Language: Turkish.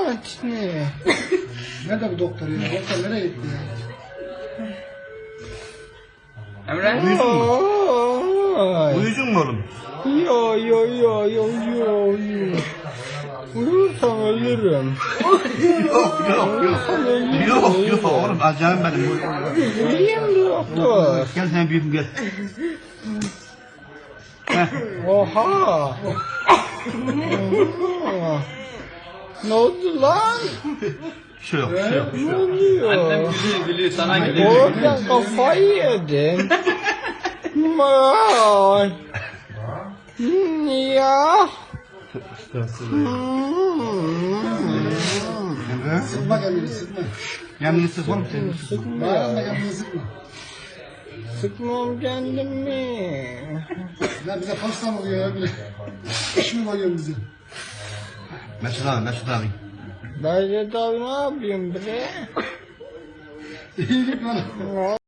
ne? Nerede bu doktor ya? Doktor nereye gitti ya? Emre? Uyusun mu oğlum? Yo. Uyursam ölürüm. Yok oğlum acayip benim. Uyuyayım doktor. Gel sen büyüğüm gel. Oha. Ne oldu lan? Bir şey yok. Ne oluyor? Annem gülüyor sana gülüyor. Oradan kafayı yedin. Vay. Ya. Emre? Sıkma kendini sıkma. Yanını sık oğlum sen. Bağırma kendini sıkma. Sıkmam kendimi. Ya bize pasta mı oluyor ya bile? İş mi koyuyorsun bize? Mesut abi. Bayret abi ne yapıyorsun bre? İyilik bana.